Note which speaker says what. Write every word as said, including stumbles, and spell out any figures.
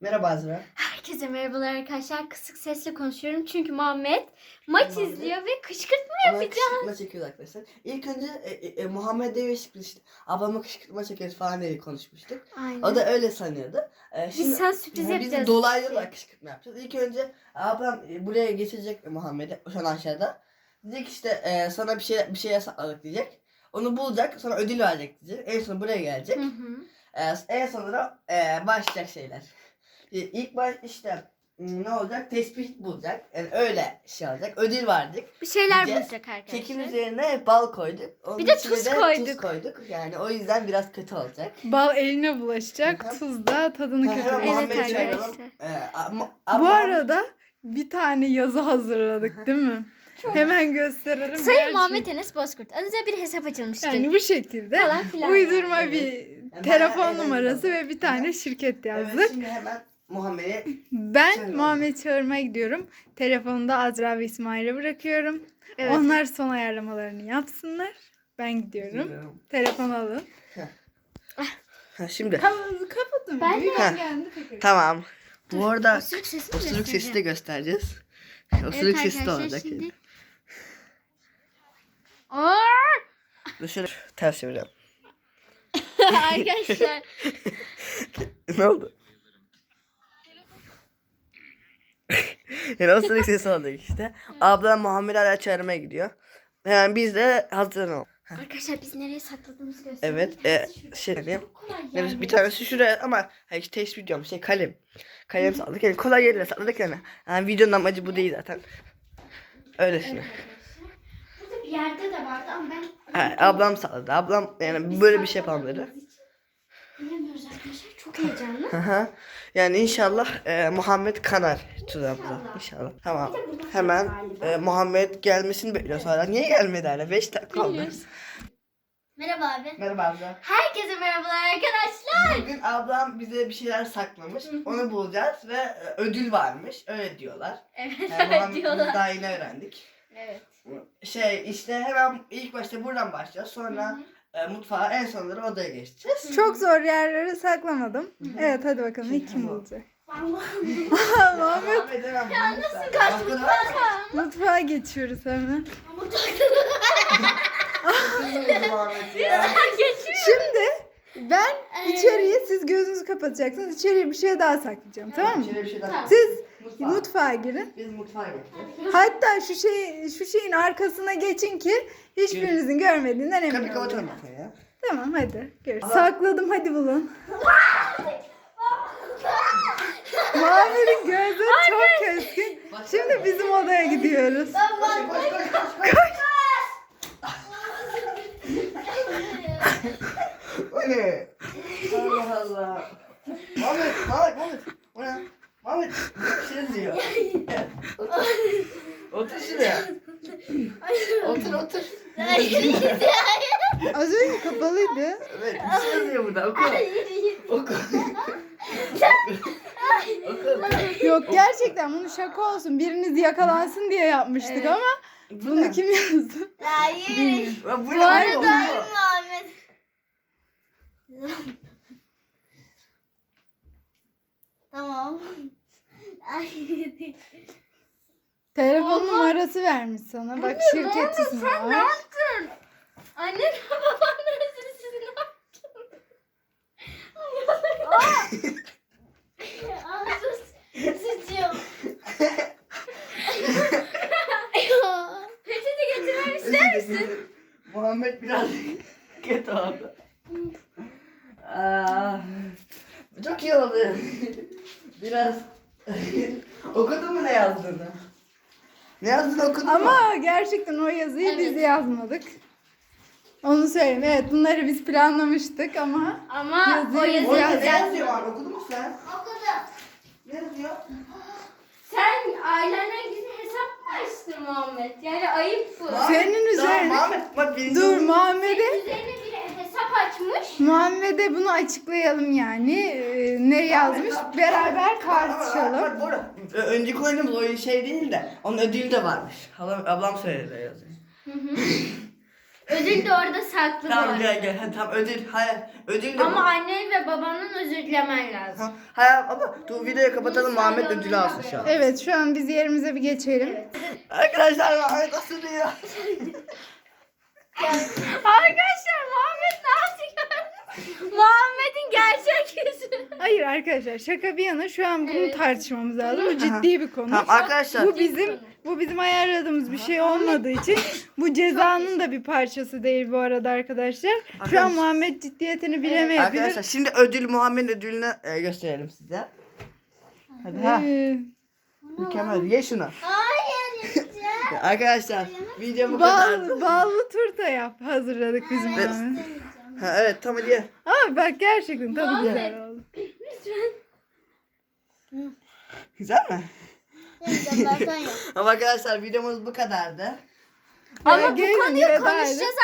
Speaker 1: Merhaba Azra.
Speaker 2: Herkese merhabalar arkadaşlar. Kısık sesle konuşuyorum çünkü Muhammed maç
Speaker 1: Muhammed.
Speaker 2: izliyor ve kışkırtma
Speaker 1: Ona
Speaker 2: yapacağız.
Speaker 1: kışkırtma çekiyoruz arkadaşlar. İlk önce e, e, e, Muhammed Bey işte ablama kışkırtma çekeriz falan diye konuşmuştuk.
Speaker 2: Aynen.
Speaker 1: O da öyle sanıyordu. E,
Speaker 2: Biz sana sürpriz
Speaker 1: yani
Speaker 2: yapacağız.
Speaker 1: Biz dolaylı olarak kışkırtma yapacağız. İlk önce ablam e, buraya geçecek Muhammed'i şu an aşağıda. Diyecek işte e, sana bir şey bir şey yasakladık diyecek. Onu bulacak, sonra ödül verecek diyecek. En son buraya gelecek.
Speaker 2: Hı hı.
Speaker 1: E, en sonra e, başlayacak şeyler. E, İlk baş işte m, ne olacak? Tespih bulacak. Yani öyle şey olacak. Ödül verdik.
Speaker 2: Bir şeyler
Speaker 1: Yiyeceğiz.
Speaker 2: bulacak arkadaşlar.
Speaker 1: Kekin üzerine bal koyduk. Onun
Speaker 2: Bir de
Speaker 1: içine
Speaker 2: tuz
Speaker 1: de
Speaker 2: koyduk.
Speaker 1: Tuz koyduk. Yani o yüzden biraz kötü olacak.
Speaker 3: Bal eline bulaşacak,
Speaker 1: Hı hı.
Speaker 3: tuz da tadını
Speaker 1: Ha, hemen
Speaker 3: kötüleyecek.
Speaker 1: Muhammed'i
Speaker 2: Evet
Speaker 1: çağıralım.
Speaker 2: arkadaşlar.
Speaker 1: Ee, ama-
Speaker 3: Bu
Speaker 1: ama-
Speaker 3: arada bir tane yazı hazırladık değil mi? Hemen gösterelim.
Speaker 2: Sayın
Speaker 3: Gerçi-
Speaker 2: Muhammed Enes Bozkurt. Aranızda bir hesap açılmıştır.
Speaker 3: Yani bu şekilde
Speaker 2: Falan filan.
Speaker 3: uydurma
Speaker 1: Evet.
Speaker 3: bir
Speaker 1: Yani
Speaker 3: telefon
Speaker 1: bayağı
Speaker 3: numarası
Speaker 1: eğlenceli.
Speaker 3: ve bir tane şirket yazdık.
Speaker 1: Evet, şimdi hemen Muhammed'e
Speaker 3: Ben
Speaker 1: Çağıralım.
Speaker 3: Muhammed çağırmaya gidiyorum. Telefonu da Azra ve İsmail'e bırakıyorum.
Speaker 2: Evet.
Speaker 3: Onlar son ayarlamalarını yapsınlar. Ben gidiyorum. Telefon alın.
Speaker 1: Ha, şimdi
Speaker 3: Kafanızı kapatın.
Speaker 2: Ben de-
Speaker 3: Büyük
Speaker 1: Ha.
Speaker 3: geldi tekrar.
Speaker 1: tamam. Bu arada
Speaker 2: Osuruk sesi mi
Speaker 1: osuruk sesi de
Speaker 2: göstereceğim?
Speaker 1: göstereceğiz. Osuruk
Speaker 2: Evet
Speaker 1: sesi de
Speaker 2: arkadaşlar
Speaker 1: olacak.
Speaker 2: şimdi. Aa!
Speaker 1: Dur şöyle ters çevireceğim.
Speaker 2: Arkadaşlar.
Speaker 1: Ne oldu? Yani osuruk sesi olacak işte. Ablam Muhammed hala çağırmaya gidiyor. Yani biz de hazırlanalım.
Speaker 2: Arkadaşlar biz nereye sakladığımızı gösterelim.
Speaker 1: Evet, e, şey diyeyim.
Speaker 2: Çok kolay
Speaker 1: Evet,
Speaker 2: yani.
Speaker 1: bir tanesi şuraya ama ha, işte test videom şey kalem. Kalem salladık yani kolay yerine salladık yani. Yani videonun amacı bu değil zaten. Öylesine.
Speaker 2: Burada bir yerde de vardı ama ben...
Speaker 1: Ha, ablam salladı. Ablam yani böyle bir şey yapalım dedi.
Speaker 2: Bilemiyoruz arkadaşlar. Çok heyecanlı.
Speaker 1: Hı hı. Yani inşallah e, Muhammed kanar tuzağımıza. İnşallah. Tamam. Hemen e, Muhammed gelmesini bekliyoruz hala. Niye gelmedi hala? beş dakika oldu.
Speaker 2: Bilmiyoruz. Merhaba abi.
Speaker 1: Merhaba abla.
Speaker 2: Herkese merhabalar arkadaşlar.
Speaker 1: Bugün ablam bize bir şeyler saklamış. Onu bulacağız ve e, ödül varmış. Öyle diyorlar.
Speaker 2: Evet,
Speaker 1: Yani
Speaker 2: evet
Speaker 1: Muhammed biz
Speaker 2: diyorlar.
Speaker 1: daha yeni öğrendik.
Speaker 2: Evet.
Speaker 1: Şey işte hemen ilk başta buradan başlayacağız. Sonra e, mutfağa en sonları odaya geçeceğiz.
Speaker 3: Çok zor yerlere saklamadım. Evet hadi bakalım
Speaker 1: Şimdi
Speaker 3: ilk kim
Speaker 1: tamam.
Speaker 3: bulacak?
Speaker 2: Allah'ım.
Speaker 3: Muhammed
Speaker 1: Muhammed hemen ya nasıl
Speaker 2: Kaçtık
Speaker 3: mutfağa geçiyoruz hemen.
Speaker 2: Ama taktım.
Speaker 3: Şimdi ben içeriye siz gözünüzü kapatacaksınız. İçeriye bir şey daha saklayacağım tamam mı?
Speaker 1: Şöyle bir şey daha.
Speaker 2: Tamam.
Speaker 3: Siz
Speaker 1: Mutfağa.
Speaker 3: mutfağa girin.
Speaker 1: Biz mutfağa geçeceğiz.
Speaker 3: Hatta şu şey şu şeyin arkasına geçin ki hiçbirinizin görmediğinden emin
Speaker 1: Kapıyı
Speaker 3: olun.
Speaker 1: kapatalım bakayım ya.
Speaker 3: Tamam hadi. Görüş. Sakladım hadi bulun. Muhammed'in gözleri çok keskin. Şimdi bizim odaya gidiyoruz.
Speaker 1: Koş koş koş koş. O ne? Allah Allah. Muhammed, Muhammed, Muhammed. O ne? Muhammed, bir şey diyor. Otur. Otur şuraya. Otur otur.
Speaker 3: Az önce kapalıydı.
Speaker 1: Evet, bir şey yazıyor burada. Oku. Oku. Oku.
Speaker 3: Yok gerçekten bunu şaka olsun. Biriniz yakalansın diye yapmıştık ama
Speaker 1: Bu
Speaker 3: bunu
Speaker 1: ne?
Speaker 3: kim yazdı?
Speaker 2: Hayır.
Speaker 1: Ya bu ne?
Speaker 2: Bu arada
Speaker 1: Bu
Speaker 2: Ayın
Speaker 1: ne?
Speaker 2: Muhammed. Tamam. Ay.
Speaker 3: Telefon numarası vermiş sana. Bak şirket ismi
Speaker 2: Sen ne
Speaker 3: var.
Speaker 2: yaptın? Annen ve baban neresi siz ne yaptın? Ay, ağzı sıçıyor. Peçete getirmemi ister misin?
Speaker 1: Muhammed biraz kötü oldu. Aa, çok iyi oldu. Biraz okudun mu ne yazdığını? Ne yazdığını okudun mu?
Speaker 3: Ama gerçekten o yazıyı biz yazmadık. Onu söyleyeyim. Evet bunları biz planlamıştık ama
Speaker 2: Ama
Speaker 3: Yazıyor.
Speaker 2: o yazı
Speaker 1: Orada ne
Speaker 2: yazacak.
Speaker 1: yazıyor abi? Okudun mu sen?
Speaker 2: Okudum.
Speaker 1: Ne yazıyor?
Speaker 2: Sen ailenden gizli hesap mı açtın Muhammed? Yani ayıp bu.
Speaker 3: Senin
Speaker 1: Tamam,
Speaker 3: üzerine-
Speaker 1: Muhammed bak birinci
Speaker 3: dur
Speaker 1: oldu.
Speaker 3: Muhammed'e
Speaker 2: Üzerine bir hesap açmış.
Speaker 3: Muhammed'e bunu açıklayalım yani. Ee, ne yazmış? Beraber tartışalım.
Speaker 1: Bak burada. Ö- Önceki oyunumuz oyun şey değil de onun ödülü de varmış. Halam, ablam söyledi yazıyor.
Speaker 2: Ödül de orada saklı bu
Speaker 1: Tamam
Speaker 2: arada.
Speaker 1: gel gel. Hadi, tamam ödül. Hayır. Ödül de
Speaker 2: Ama
Speaker 1: bu.
Speaker 2: annen ve babanın özür dilemen lazım.
Speaker 1: Ha, Hayır ama dur videoyu kapatalım. Muhammed ödülü alsın şu an.
Speaker 3: Evet şu an biz yerimize bir geçelim.
Speaker 1: Arkadaşlar Muhammed asılıyor.
Speaker 2: Arkadaşlar Muhammed ne yapıyor? Muhammed'in gerçek yüzü.
Speaker 3: Hayır arkadaşlar şaka bir yana şu an bunu
Speaker 2: Evet.
Speaker 3: tartışmamız lazım. Bu ciddi bir konu.
Speaker 1: Tamam arkadaşlar.
Speaker 3: Bu bizim bu bizim ayarladığımız bir şey olmadığı için bu cezanın da bir parçası değil bu arada arkadaşlar. Şu an
Speaker 1: Arkadaşlar-
Speaker 3: Muhammed ciddiyetini bilemeyebilir.
Speaker 1: Arkadaşlar şimdi ödül Muhammed ödülünü e, gösterelim size. Hadi ha.
Speaker 3: Ee,
Speaker 1: Mükemmel. Ye şunu.
Speaker 2: Hayır.
Speaker 1: Arkadaşlar video bu kadar.
Speaker 3: bal, ballı turta yap hazırladık bizim
Speaker 1: Evet.
Speaker 3: Muhammed.
Speaker 1: Ha, evet tamam hadi ye.
Speaker 3: Ama bak gerçekten tadı güzel oldu.
Speaker 1: Güzel mi?
Speaker 2: Lütfen.
Speaker 1: Ama arkadaşlar videomuz bu kadardı.
Speaker 2: Ama bu
Speaker 3: Gelin,
Speaker 2: konuyu
Speaker 3: veda edin.
Speaker 2: konuşacağız